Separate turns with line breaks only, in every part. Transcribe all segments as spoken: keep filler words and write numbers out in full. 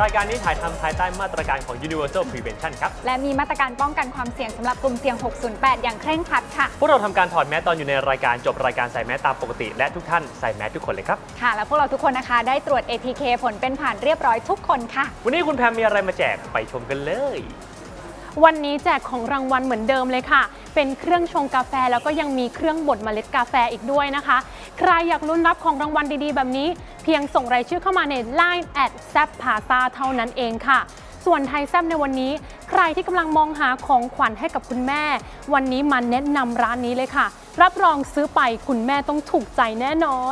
ายการนี้ถ่ายทำภายใต้มาตรการของ Universal Prevention ครับ
และมีมาตรการป้องกันความเสี่ยงสำหรับกลุ่มเสี่ยง หกศูนย์แปด อย่างเคร่งครัดค่ะ
พวกเราทำการถอดแมสตอนอยู่ในรายการจบรายการใส่แมสตามปกติและทุกท่านใส่แมสทุกคนเลยครับ
ค่ะและพวกเราทุกคนนะคะได้ตรวจ เอ ที เค ผลเป็นผ่านเรียบร้อยทุกคนค่ะ
วันนี้คุณแพมมีอะไรมาแจกไปชมกันเลย
วันนี้แจกของรางวัลเหมือนเดิมเลยค่ะเป็นเครื่องชงกาแฟแล้วก็ยังมีเครื่องบดเมล็ดกาแฟอีกด้วยนะคะใครอยากลุ้นรับของรางวัลดีๆแบบนี้เพียงส่งรายชื่อเข้ามาใน ไลน์ แอท แซบพาซา เท่านั้นเองค่ะส่วนไทยแซบในวันนี้ใครที่กำลังมองหาของขวัญให้กับคุณแม่วันนี้มาแนะนำร้านนี้เลยค่ะรับรองซื้อไปคุณแม่ต้องถูกใจแน่นอน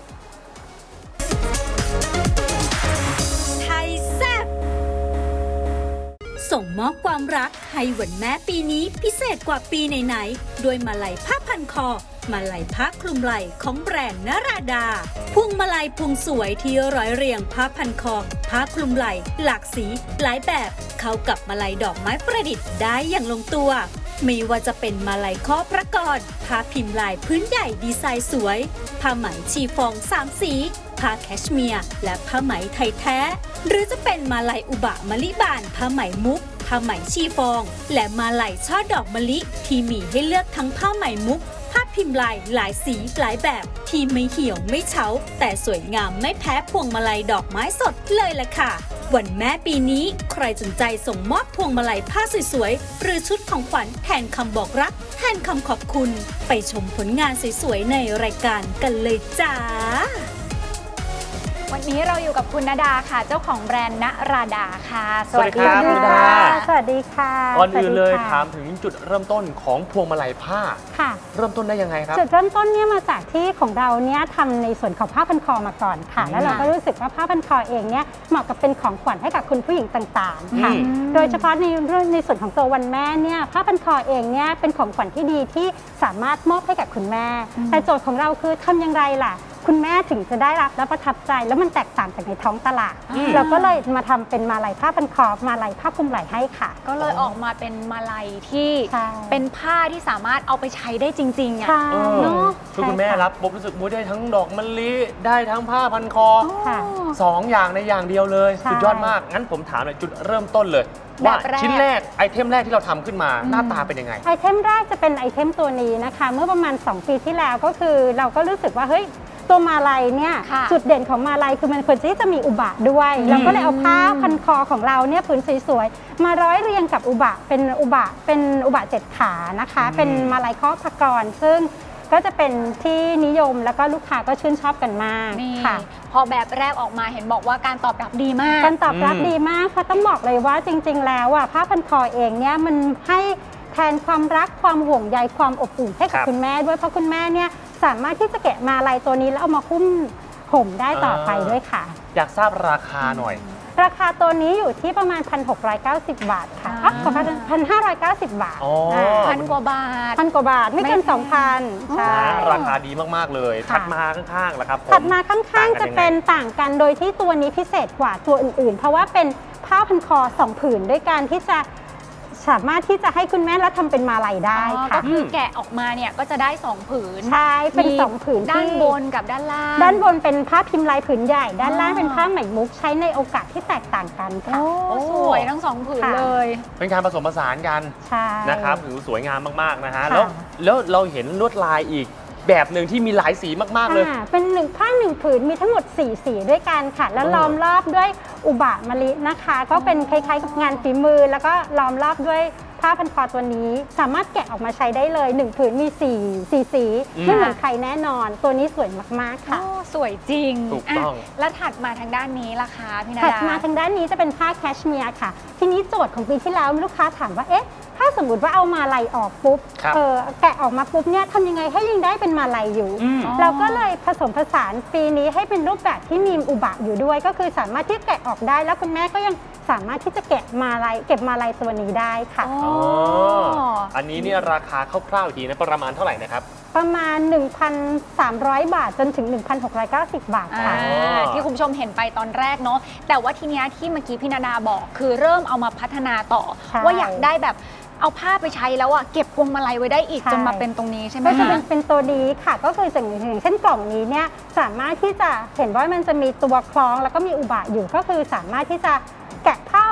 ไทยแซบส่งมอบความรักให้วันแม่ปีนี้พิเศษกว่าปีไหนๆด้วยมาลัยผ้าพันคอมาลัยผ้าคลุมไหล่ของแบรนด์นราดาพวงมาลัยพวงสวยที่ร้อยเรียงผ้าพันคอผ้าคลุมไหล่หลากสีหลายแบบเข้ากับมาลัยดอกไม้ประดิษฐ์ได้อย่างลงตัวไม่ว่าจะเป็นมาลัยข้อพระกรผ้าพิมพ์ลายพื้นใหญ่ดีไซน์สวยผ้าไหมชีฟองสามสีผ้าแคชเมียร์และผ้าไหมไทยแท้หรือจะเป็นมาลัยอุบะมะลิบานผ้าไหมมุกผ้าไหมชีฟองและมาลัยช่อดอกมะลิที่มีให้เลือกทั้งผ้าไหมมุกผ้าพิมพ์ลายหลายสีหลายแบบที่ไม่เหี่ยวไม่เฉาแต่สวยงามไม่แพ้พวงมาลัยดอกไม้สดเลยล่ะค่ะวันแม่ปีนี้ใครสนใจส่งมอบพวงมาลัยผ้าสวยๆหรือชุดของขวัญแทนคำบอกรักแทนคำขอบคุณไปชมผลงานสวยๆในรายการกันเลยจ้า
วันนี้เราอยู่กับคุณณดาค่ะเจ้าของแบรนด์ณราดาค่ะ
สวัสดีครับคุณณดา
สวัสดีค่ะ
ก่อนอื่นเลยถามถึงจุดเริ่มต้นของพวงมาลัยผ้า
ค่ะ
เริ่มต้นได้ยังไงครับ
จุดเริ่มต้นเนี่ยมาจากที่ของเราเนี่ยทำในส่วนของผ้าพันคอมาก่อนค่ะแล้วเราก็รู้สึกว่าผ้าพันคอเองเนี่ยเหมาะกับเป็นของขวัญให้กับคุณผู้หญิงต่างๆค่ะโดยเฉพาะในเรื่องในส่วนของตัววันแม่เนี่ยผ้าพันคอเองเนี่ยเป็นของขวัญที่ดีที่สามารถมอบให้กับคุณแม่แต่โจทย์ของเราคือทำอย่างไรล่ะคุณแม่ถึงจะได้รับและประทับใจแล้วมันแตกต่างจากในท้องตลาดเราก็เลยมาทำเป็นมาลัยผ้าพันคอมาลัยผ้าคลุมไหล่ให้ค่ะ
ก็เลยออกมาเป็นมาลัยที่เป็นผ้าที่สามารถเอาไปใช้ได้จริงๆอ่ะ
เนาะคือคุณแม่รับปุ๊บรู้สึกมุ้ยได้ทั้งดอกมะลิได้ทั้งผ้าพันคอสองอย่างในอย่างเดียวเลยสุดยอดมากงั้นผมถามหน่อยจุดเริ่มต้นเลยว่าชิ้นแรกไอเทมแรกที่เราทำขึ้นมาหน้าตาเป็นยังไง
ไอเทมแรกจะเป็นไอเทมตัวนี้นะคะเมื่อประมาณสองปีที่แล้วก็คือเราก็รู้สึกว่าเฮ้ยตัวมาลัยเนี่ยจุดเด่นของมาลัยคือมันควรที่จะมีอุบะด้วยเราก็เลยเอาผ้าพันคอของเราเนี่ยผืนสวยๆมาร้อยเรียงกับอุบะเป็นอุบะเป็นอุบะเจ็ดขานะคะเป็นมาลัยข้อพระกรซึ่งก็จะเป็นที่นิยมแล้วก็ลูกค้าก็ชื่นชอบกันมากค่ะ
พอแบบแรกออกมาเห็นบอกว่าการตอบรับดีมาก
การตอบรับดีมากค่ะต้องบอกเลยว่าจริงๆแล้วอ่ะผ้าพันคอเองเนี่ยมันให้แทนความรักความห่วงใยความอบอุ่นให้กับคุณแม่ด้วยเพราะคุณแม่เนี่ยสามารถที่จะแกะมาลัยตัวนี้แล้วเอามาคุ้มห่มได้ต่อไปด้วยค่ะ
อยากทราบราคาหน่อย
ราคาตัวนี้อยู่ที่ประมาณ พันหกร้อยเก้าสิบ บาทค่ะอ๋อ พันห้าร้อยเก้าสิบ บาท
พันกว่าบาท
พันกว่าบาทไม่เกิน สองพัน
ใช่ราคาดีมากๆเลยถัดมาข้างๆแล้วครับ
ถัดมาข้างๆจะเป็นต่างกันโดยที่ตัวนี้พิเศษกว่าตัวอื่นๆเพราะว่าเป็นผ้าพันคอสองผืนด้วยการที่จะสามารถที่จะให้คุณแม่แล้วทำเป็นมาลัยได้ค่ะ
ก็คือแกะออกมาเนี่ยก็จะได้สองผืน
ใช่เป็นสองผืน
ด้านบนกับด้านล่าง
ด้านบนเป็นผ้าพิมพ์ลายผืนใหญ่ด้านล่างเป็นผ้าไหมมุกใช้ในโอกาสที่แตกต่างกันค่ะ
โอ้สวยทั้งสองผืนเลย
เป็นการผสมผสานกันนะครับถือสวยงามมากๆนะฮะแล้วแล้วเราเห็นลวดลายอีกแบบหนึ่งที่มีหลายสีมากๆเลย
เป็นหนึ่งผ้าหนึ่งผืนมีทั้งหมดสี่สีด้วยกันค่ะแล้วล้อมรอบด้วยอุบะมะลินะคะก็เป็นคล้ายๆกับงานฝีมือแล้วก็ล้อมรอบด้วยผ้าพันคอตัวนี้สามารถแกะออกมาใช้ได้เลยหนึ่งผืนมีสี่สีสีไม่เหมือนใครแน่นอนตัวนี้สวยมากๆค่ะ
สวยจริง
ถูกต้อง
แล้วถัดมาทางด้านนี้ล่ะคะพี่นาดา
ถัดมาทางด้านนี้จะเป็นผ้าแคชเมียร์ค่ะทีนี้โจทย์ของปีที่แล้วลูกค้าถามว่าเอ๊ะถ้าสมมติว่าเอามาลัยออกปุ๊บเออแกะออกมาปุ๊บเนี่ยทำยังไงให้ยังได้เป็นมาลัยอยู่เราก็เลยผสมผสานปีนี้ให้เป็นรูปแบบที่มีอุบะอยู่ด้วยก็คือสามารถที่แกะออกได้แล้วคุณแม่ก็ยังสามารถที่จะแกะมาลัยเก็บมาลัยตัวนี้ได้ค่ะ
อ๋ออันนี้เนี่ยราคาคร่าวๆทีนะประมาณเท่าไหร่นะครับ
ประมาณ หนึ่งพันสามร้อย บาทจนถึง หนึ่งพันหกร้อยเก้าสิบ บาทค่ะ
ที่คุณผู้ชมเห็นไปตอนแรกเนาะแต่ว่าทีเนี้ยที่เมื่อกี้พี่นาดาบอกคือเริ่มเอามาพัฒนาต่อว่าอยากได้แบบเอาผ้าไปใช้แล้วอ่ะเก็บพวงมาลัยไว้ได้อีกจนมาเป็นตรงนี้ใช่ไหม
ก็จะเป็นเป็นตัวนี้ค่ะก็คืออย่างเช่นกล่องนี้เนี่ยสามารถที่จะเห็นว่ามันจะมีตัวคล้องแล้วก็มีอุบะอยู่ก็คือสามารถที่จะ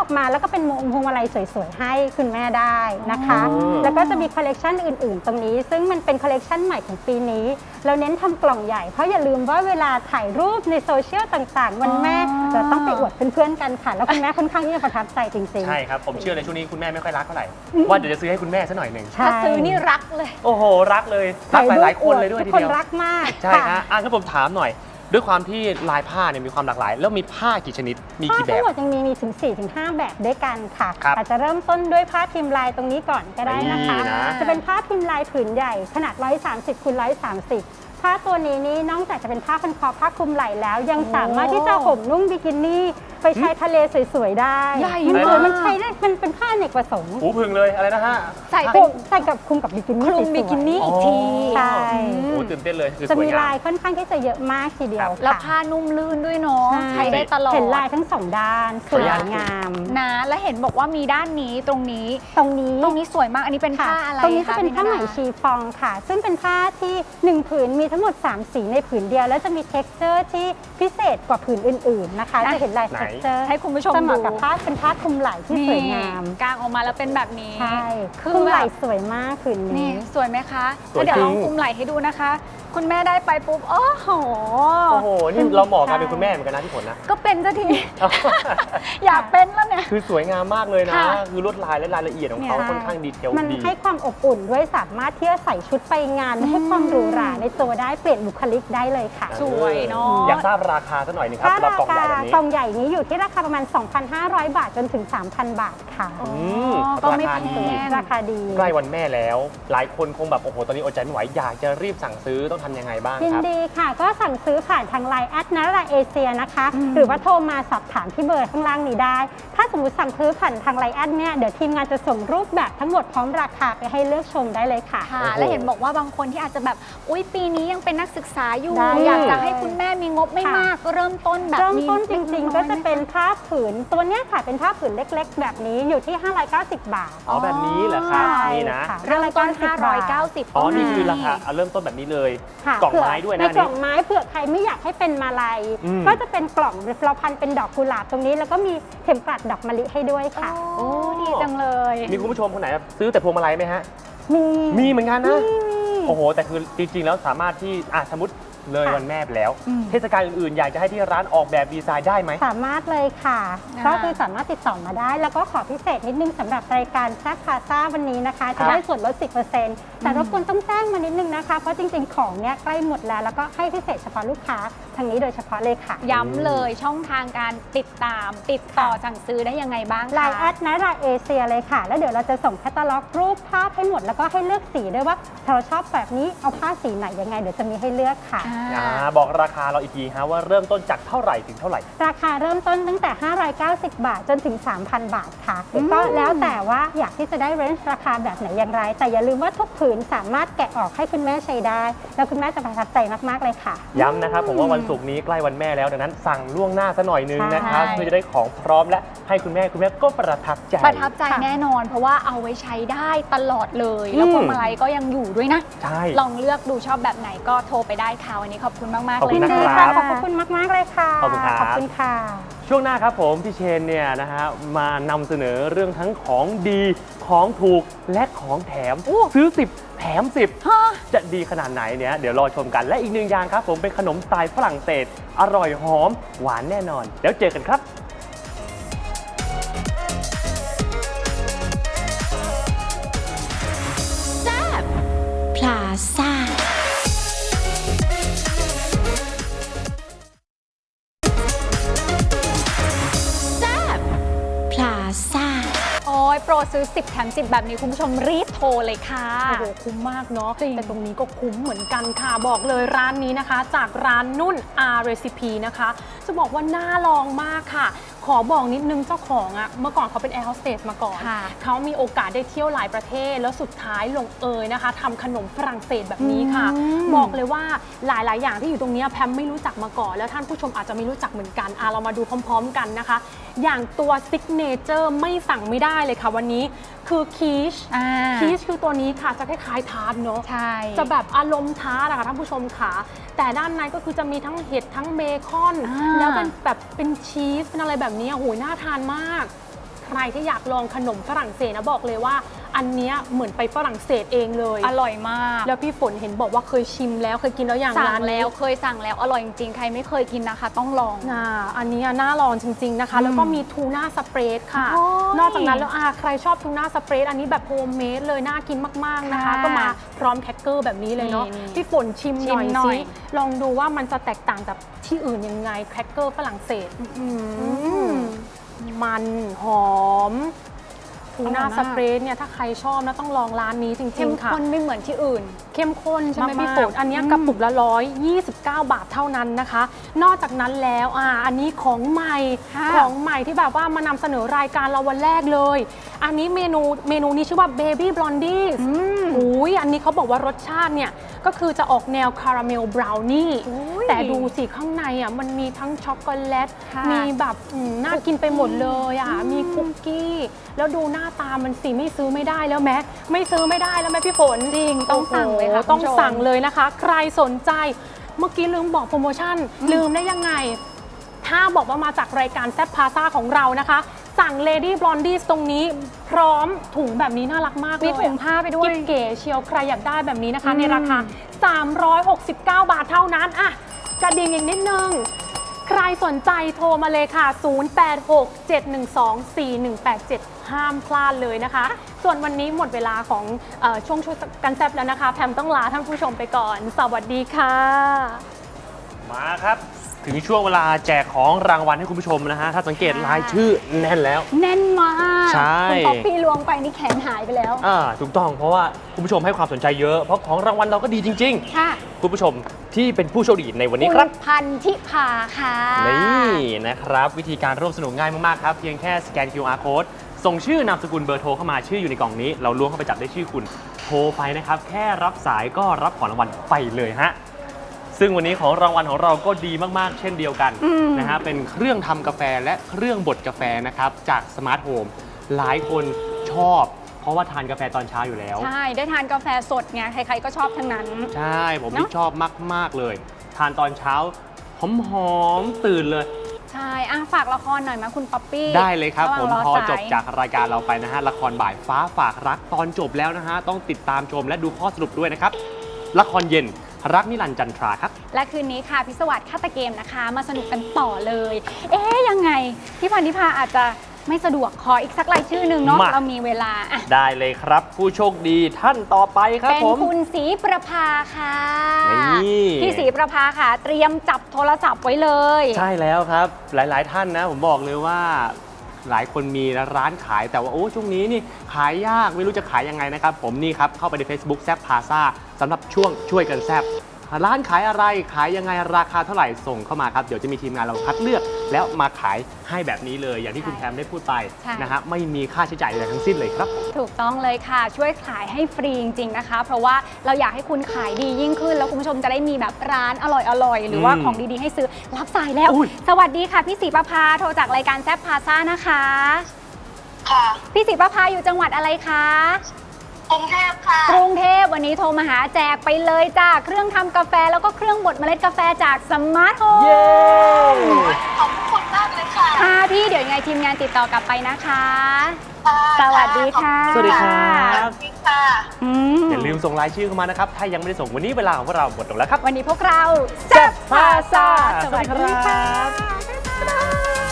อกมาแล้วก็เป็นพวงมาลัยสวยๆให้คุณแม่ได้นะคะ
อ๋อ
แล้วก็จะมีคอลเลกชันอื่นๆ ตรงนี้ ซึ่งมันเป็นคอลเลกชันใหม่ของปีนี้ เราเน้นทำกล่องใหญ่เพราะอย่าลืมว่าเวลาถ่ายรูปในโซเชียลต่างๆ วันแม่เราต้องไปอวดเพื่อนๆกันค่ะ แล้วคุณแม่ค่อนข้างที่จะประทับใจจริงๆ
ใช่ครับ ผมเชื่อเลยช่วงนี้คุณแม่ไม่ค่อยรักเท่าไหร่ ว่าเดี๋ยวจะซื้อให้คุณแม่ซะหน่อยหนึ่ง
ใช่
ถ้าซื้อนี่รักเลย
โอ้โห รักเลยรักหลายๆคนเลยด้วย
ทุ
ที
กคน
เดียว
รักมาก
ใช่
ค่ะ
ฮะอ่ะถ้าผมถามหน่อย ด้วยความที่ลายผ้าเนี่ยมีความหลากหลาย แล้วมีผ้ากี่ชนิด มี
ผ้า
กี่แบ
ทั้ง
บ
หมดยังมีมีถึง สี่ถึงห้า แบบด้วยกันค่ะ
ครับ
อาจจะเริ่มต้นด้วยผ้าพิมพ์ลายตรงนี้ก่อนก็ได้นะคะ
นี่นะ
จะเป็นผ้าพิมพ์ลายผืนใหญ่ขนาด หนึ่งร้อยสามสิบคูณหนึ่งร้อยสามสิบ ผ้าตัวนี้นี่นอกจากจะเป็นผ้าพันคอผ้าคลุมไหล่แล้ว ยังสามารถที่จะห่มนุ่งบิกินี่ไปชายทะเลสวยๆได้
ใหญ่
มัน
มาก
มันใช้ได้มันเป็นผ้าอเนกประสงค์
หูพึ่งเลยอะไรนะฮะ
ใส่
ค
เป็
ลุ
น
มใส่กับคลุมกับบิกินี่
คลุม
สวยๆ
บิกินี่อีกที
ใช่
โอ้ตื่นเต้นเลยคือ
จะ
สวย
มี
งา
ลาม ยค่อนข้างที่จะเยอะมากทีเดียว
แล้ว
ค่ะ
ผ้านุ่มลื่นด้วยเนาะ ใช้ได้ตลอด
เห็นลายทั้งสองด้านสวยงาม
นะและเห็นบอกว่ามีด้านนี้ตรงนี้
ตรงนี้
ตรงนี้สวยมาก อันนี้เป็นผ้าอะไร
ตรงนี้จะ
ค
เป็นผ้าไหม
พี่ด
ชีฟองค่ะ ซึ่งเป็นผ้าที่หนึ่งผืนมีทั้งหมดสามสีในผืนเดียว แล้วจะมี texture ที่พิเศษกว่าผืนอื่นๆนะคะ
อ่ะ
จะเห็นลาย
ไหน
texture
ให้คุณผู้ชม
จะเหมาะ
ดู
กับผ้าเป็นผ้าคลุมไหล่ที่สวยงาม
นี่กางออกมาแล้วเป็นแบบนี้
ใช่
คือ
คลุม
แบ
ไหล่
บ
สวยมากผืน
นี่
นี้
สวยไหมคะ
สวย
แล้วเดี๋ยว
จริง
ลองคุมไหล่ให้ดูนะคะ คุณแม่ได้ไปปุ๊บ โอ้โห
โอ้โห นี่เราเหมาะกันเป็นคุณแม่เหมือนกันนะพี่ฝนนะ
ก็เป็นสักที อยากเป็นแล้วเนี่ย
คือสวยงามมากเลยนะ
ค่ะ
คือลวดลายและรายละเอียดของเขา
เนี่ย
ค่อนข้างดีเทล
มัน
ดี
ให้ความอบอุ่นด้วยสามารถที่จะใส่ชุดไปงานให้ความหรูหราในตัวได้เปลี่ยนบุคลิกได้เลยค่ะ
สวยเนาะ
อยากทราบราคาสักหน่อยหนึงครับ
ถ้า
สำหรับ
ราก
ล่องให
คา
ญ่แบบนี้
กล่องใหญ่นี้อยู่ที่ราคาประมาณ สองพันห้าร้อย บาทจนถึง สามพัน บาทค่ะ
อ๋อ
ม
ก็ไม่
ราคา
แพ
ดี
ง
ราคาดี
ใกล้วันแม่แล้ว หลายคนคงแบบโอ้โหตอนนี้อดใจไม่ไหวอยากจะรีบสั่งซื้อต้องทำยังไงบ้าง
ยิน
ครับ
ดีค่ะ ก็สั่งซื้อผ่านทางไลน์แอดนาราเอเชียนะคะ
อืม
หรือว่าโทรมาสอบถามที่เบอร์ข้างล่างนี้ได้ ถ้าสมมติสั่งซื้อผ่านทางไลน์แอดเนี่ยเดี๋ยวทีมงานจะส่งรูปแบบทั้งหมดพร้อมราคาไปให้เลือกชมได้เลยค่ะ
ค่ะ
โอ้โห
และเห็นบอกว่าบางคนที่อาจจะแบบ อุ๊ย ปีนี้ยังเป็นนักศึกษาอยู่
ได้
อยากจะให้คุณแม่มีงบไม่
ค่ะ
มากก็เริ่มต้นแบบ
เริ่ม
มี
ต้นจริงๆ ก็จะเป็น
ล็ก
ผ้าผืนตัวเนี้ยค่ะเป็นผ้าผืนเล็กๆ แบบนี้อยู่ที่ ห้าร้อยเก้าสิบ บาท
อ๋อแบบนี้เหรอครับ
ใช่
นี่นะ
ค่ะ
ๆเริ่มต้น ห้าร้อยเก้าสิบ
อ๋อ นี่คือ
ก็มี
ราคาเอาเริ่มต้นแบบนี้เลย
ค่ะ
กล่องไม้ด้วยนะ
ใน
อัน
กล่
นี้
องไม้เผื่อใครไม่อยากให้เป็นมาลัย
อืม
ก็จะเป็นกล่องเราพันเป็นดอกกุหลาบตรงนี้ แล้วก็มีเข็มกลัดดอกมะลิให้ด้วยค่ะ
โอ้ดีจังเลย
มีคุณผู้ชมคนไหนซื้อแต่พวงมาลัยไหมฮะ
มี
มีเหมือนกันนะ
มีมี
โอ้โห แต่คือจริงๆ แล้วสามารถที่อ่ะสมมติเลย
ค่ะ
วันแม่ไปแล้ว
อืม
เทศกาลอื่นๆ อยากจะให้ที่ร้านออกแบบดีไซน์ได้ไหม
สามารถเลยค่ะ
อ่า
ก็คือสามารถติดต่อมาได้ แล้วก็ขอพิเศษนิดนึงสำหรับรายการแซ่บพาซ่าวันนี้นะคะ จะได้ส่วนลด สิบเปอร์เซ็นต์ แต่รบกวนต้องแจ้งมานิดนึงนะคะ เพราะจริงๆ ของเนี้ยใกล้หมดแล้ว แล้วก็ให้พิเศษเฉพาะลูกค้าทางนี้โดยเฉพาะเลยค่ะ
ย้ำเลยช่องทางการติดตาม ติดต่อสั่งซื้อได้ยังไงบ้างคะ
ไลน์แอดนาราเอเชียเลยค่ะ แล้วเดี๋ยวเราจะส่งแคตตาล็อกรูปภาพให้หมด แล้วก็ให้เลือกสีด้วยว่าเราชอบแบบนี้เอาผ้าสีไหนยังไงเดี๋ยวจะมีให้เลือกค่ะ
อ่า
อ่าบอกราคาเราอีกทีฮะว่าเริ่มต้นจากเท่าไหร่ถึงเท่าไหร่
ราคาเริ่มต้นตั้งแต่ ห้าร้อยเก้าสิบ บาท จนถึง สามพัน บาทค่ะ
อืม
ก็แล้วแต่ว่าอยากที่จะได้เรนจ์ราคาแบบไหนอย่างไร แต่อย่าลืมว่าทุกผืนสามารถแกะออกให้คุณแม่ใช้ได้ แล้วคุณแม่จะประทับใจมากๆเลยค่ะ
ย้ำนะครับผมว่าวันศุกร์นี้ใกล้วันแม่แล้วดังนั้นสั่งล่วงหน้าซะหน่อยนึงนะครับ
ใช่
เพื่อจะได้ของพร้อมและให้คุณแม่คุณแม่ก็ประทับใจ
ประทับใจ
ค่ะ
แน่นอน เพราะว่าเอาไว้ใช้ได้ตลอดเลย แล้ว
อืม
พวงมาลัยก็ยังอยู่ด้วยนะ
ใช่
ลองเลือกดูชอบแบบไหนก็โทรไปได้ค่ะวันนี้ขอบคุณมากๆ
ขอบ
เล
คุ
ย
ณ
ยิน
นะ
ดี
ครั
ค่ะ
บ
ขอบคุณมากๆเลยค่ะ
ขอบคุณครับ
ขอบคุณค่ะ
ช่วงหน้าครับผมพี่เชนเนี่ยนะฮะมานำเสนอเรื่องทั้งของดีของถูกและของแถม
อู้
ซื้อสิบแถมสิบ
ฮะ
จะดีขนาดไหนเนี่ยเดี๋ยวรอชมกันและอีกหนึ่งอย่างครับผมเป็นขนมสไตล์ฝรั่งเศส อร่อยหอม หวานแน่นอน แล้วเจอกันครับ
พลาซ่า แซ่บพลาซ่า
โอ้ยโปรซื้อสิบแถมสิบแบบนี้คุณผู้ชมรีบโทรเลยค่ะ
โอ้โหคุ้มมากเนาะ
จริง
แต่ตรงนี้ก็คุ้มเหมือนกันค่ะ บอกเลยร้านนี้นะคะ จากร้านนุ่น R Recipe นะคะ จะบอกว่าน่าลองมากค่ะ ขอบอกนิดนึงเจ้าของอะเมื่อก่อนเขาเป็นแอร์โฮสเตสมาก่อน
ค่ะ
เขามีโอกาสได้เที่ยวหลายประเทศ แล้วสุดท้ายลงเอยนะคะทำขนมฝรั่งเศสแบบนี้ค่ะ
อืม
บอกเลยว่าหลาย ๆ อย่างที่อยู่ตรงนี้แพมไม่รู้จักมาก่อน แล้วท่านผู้ชมอาจจะไม่รู้จักเหมือนกันอ่ะเรามาดูพร้อม ๆ กันนะคะ อย่างตัวซิกเนเจอร์ไม่สั่งไม่ได้เลยค่ะวันนี้คือคีช
อ่า
คีชคือตัวนี้ค่ะจะคล้ายๆทาร์ตเนาะ
ใช่
จะแบบอารมณ์ทาร์ตอะค่ะท่านผู้ชมค่ะแต่ด้านในก็คือจะมีทั้งเห็ดทั้งเบคอน
อ่า
แล้วเป็นแบบเป็นชีสเป็นอะไรแบบนี้โอ้โหน่าทานมากใครที่อยากลองขนมฝรั่งเศสนะบอกเลยว่าอันเนี้ยเหมือนไปฝรั่งเศสเองเลย
อร่อยมาก
แล้วพี่ฝนเห็นบอกว่าเคยชิมแล้วเคยกินแล้วอย่าง
สั่
ร้าง น
แล้วเคยสั่งแล้วอร่อยจริงๆใครไม่เคยกินนะคะ ต้องลอง
อ่าอันนี้น่าลองจริงๆนะคะ
อืม
แล้วก็มีทูน่าสเปรดค่ะ
โอ้ย
นอกจากนั้นแล้วอาใครชอบทูน่าสเปรดอันนี้แบบโฮมเมดเลยน่ากินมากๆนะคะ
ค่ะ
ก็มาพร้อมแคคเกอร์แบบนี้เลยเนาะ
นี่
พี่ฝนชิม
ชิ
ห
ม
น่อย
หน่
สิ
อย
ลองดูว่ามันจะแตกต่างจากที่อื่นยังไงแคคเกอร์ฝรั่งเศสอืมมันหอมทูน่า
อร่อยมาก
สเปรดเนี่ยถ้าใครชอบนะต้องลองร้านนี้จริ
เข้
ง
ม
ๆค่ะ
ข้นไม่เหมือนที่อื่น
เข้มข้นใช่ไหม
มากๆ
พี่ฝนอันเนี้ย
อืม
กระปุกละร้อยยี่สิบเก้าบาทเท่านั้นนะคะ นอกจากนั้นแล้วอ่าอันนี้ของใหม่
ค่ะ
ของใหม่ที่แบบว่ามานำเสนอรายการเราวันแรกเลย อันนี้เมนูเมนูนี้ชื่อว่า Baby Blondies
อืม
อุ้ยอันนี้เขาบอกว่ารสชาติเนี่ยก็คือจะออกแนวคาราเมลบราวนี่
อุ้ย
แต่ดูสิข้างในอ่ะมันมีทั้งช็อกโกแลต
ค่ะ
มีแบบอืมน่ากินไปหมดเลยอ่ะมีคุกกี้ แล้วดูหน้าตามันสิไม่ซื้อไม่ได้แล้วแม้ไม่ซื้อไม่ได้แล้วแม่พี่ฝน
จริงต้องสั่งเลยค่ะ
โอ้โหต้อง
คุณผู้ชม
สั่งเลยนะคะ ใครสนใจเมื่อกี้ลืมบอกโปรโมชั่น ลืมได้ยังไง ถ้าบอกว่ามาจากรายการแซ่บพาซ่าของเรานะคะ สั่ง Lady Blondies ตรงนี้พร้อมถุงแบบนี้น่ารักมากเลย
มีถุงผ้าไปด้วย
กิ๊บเก๋เชียวใครอยากได้แบบนี้นะคะ
อืม
ในราคา สามร้อยหกสิบเก้า บาทเท่านั้นอ่ะกระดิ่งอีกนิดนึง ใครสนใจโทรมาเลยค่ะ ศูนย์ แปด หก เจ็ด หนึ่ง สอง สี่ หนึ่ง แปด เจ็ด ห้ามพลาดเลยนะคะ ส่วนวันนี้หมดเวลาของเออช่วงช่วยกันแซ่บแล้วนะคะแพมต้องลาท่านผู้ชมไปก่อน สวัสดีค่ะ
มาครับ ถึงช่วงเวลาแจกของรางวัลให้คุณผู้ชมนะฮะ ถ้าสังเกตรายชื่อแน่นแล้ว
แน่นมาก
ใช่
คุณป๊อปปี้ล้วงไปนี่แขนหายไปแล้ว
อ่าถูกต้องเพราะว่าคุณผู้ชมให้ความสนใจเยอะ เพราะของรางวัลเราก็ดีจริง
ค่ะ
ๆ คุณผู้ชมที่เป็นผู้โชคดีในวันนี้ครับ
ณพันธิพาค่ะ
นี่นะครับ วิธีการร่วมสนุกง่ายมาก ๆ ครับ เพียงแค่สแกน คิว อาร์ Code ส่งชื่อนามสกุลเบอร์โทรเข้ามาชื่ออยู่ในกล่องนี้ เราล้วงเข้าไปจับได้ชื่อคุณโทรไปนะครับ แค่รับสายก็รับของรางวัลไปเลยฮะ ซึ่งวันนี้ของรางวัลของเราก็ดีมาก ๆ เช่นเดียวกัน
อืม
นะฮะเป็นเครื่องทำกาแฟและเครื่องบดกาแฟนะครับจากสมาร์ทโฮมหลายคนชอบ เพราะว่าทานกาแฟตอนเช้าอยู่แล้ว
ใช่ ได้ทานกาแฟสดไงใครๆก็ชอบทั้งนั้น
ใช่ผม
เนอะ
ที่ชอบมาก ๆ เลย ทานตอนเช้าหอม ๆ ตื่นเลย
ใช่อ่ะฝากละครหน่อยไหมคุณป๊อปปี้
ได้เลยครับ
ะหว่าง
ผม
ร
พอ
สาย
จบจากรายการเราไปนะฮะ ละครบ่ายฟ้าฝากรักตอนจบแล้วนะฮะ ต้องติดตามชมและดูข้อสรุปด้วยนะครับ ละครเย็นรักนิรันดร์จันทราครับ
และคืนนี้ค่ะพิศวาสฆาตเกมนะคะ มาสนุกกันต่อเลย เอ๊ยยังไง พี่พันธิพาอาจจะไม่สะดวกขออีกสักรายชื่อหนึ่งเนาะ
มา
เรามีเวลาอ่ะ
ได้เลยครับ ผู้โชคดีท่านต่อไปครับ
เป็น
ผม
คุณศรีประภาค่ะ
นี่
พี่ศรีประภาค่ะ เตรียมจับโทรศัพท์ไว้เลย
ใช่แล้วครับ หลาย ๆ ท่านนะ ผมบอกเลยว่า หลายคนมีร้านขายแต่ว่าโอ้ช่วงนี้นี่ขายยากไม่รู้จะขายยังไงนะครับ ผมนี่ครับ เข้าไปใน Facebook แซบพาซาสำหรับช่วงช่วยกันแซบร้านขายอะไรขายยังไงราคาเท่าไหร่ส่งเข้ามาครับ เดี๋ยวจะมีทีมงานเราคัดเลือก แล้วมาขายให้แบบนี้เลย อย่างที่คุณแพมได้พูดไป
ใช่
นะฮะไม่มีค่าใช้จ่ายอะไรทั้งสิ้นเลยครับ
ถูกต้องเลยค่ะ ช่วยขายให้ฟรีจริงๆนะคะ เพราะว่าเราอยากให้คุณขายดียิ่งขึ้น แล้วคุณผู้ชมจะได้มีแบบร้านอร่อยๆ หรือว่า
อืม
ของดีๆให้ซื้อรับสายแล้ว
อุ๊ย
สวัสดีค่ะพี่ศรีประภาโทรจากรายการแซบพาซ่านะคะ
ค่ะ
พี่ศรีประภาอยู่จังหวัดอะไรคะ
กรุงเทพค่ะ
กรุงเทพวันนี้โทรมาหาแจกไปเลยจ้าเครื่องทำกาแฟแล้วก็เครื่องบดเมล็ดกาแฟจากสมาร์ทโฮม
เย้
ขอบคุณมากเลยค่ะ
ค่ะพี่เดี๋ยวยังไงทีมงานติดต่อกลับไปนะคะ
ค่ะ
สวัสดีค่ะ
สวัสดีครั
ส
บ
วัสดีค่ะ
อืม
อย่าลืมส่งรายชื่อเข้ามานะครับ ถ้ายังไม่ได้ส่งวันนี้เวลาของพวกเราหมดลงแล้วครับ
วันนี้พวกเราแซ่บพาซ่าส
สวั
วั
ส
ส
ดี
ดี
ครั
ค่ะ
บ
บ๊ายบาย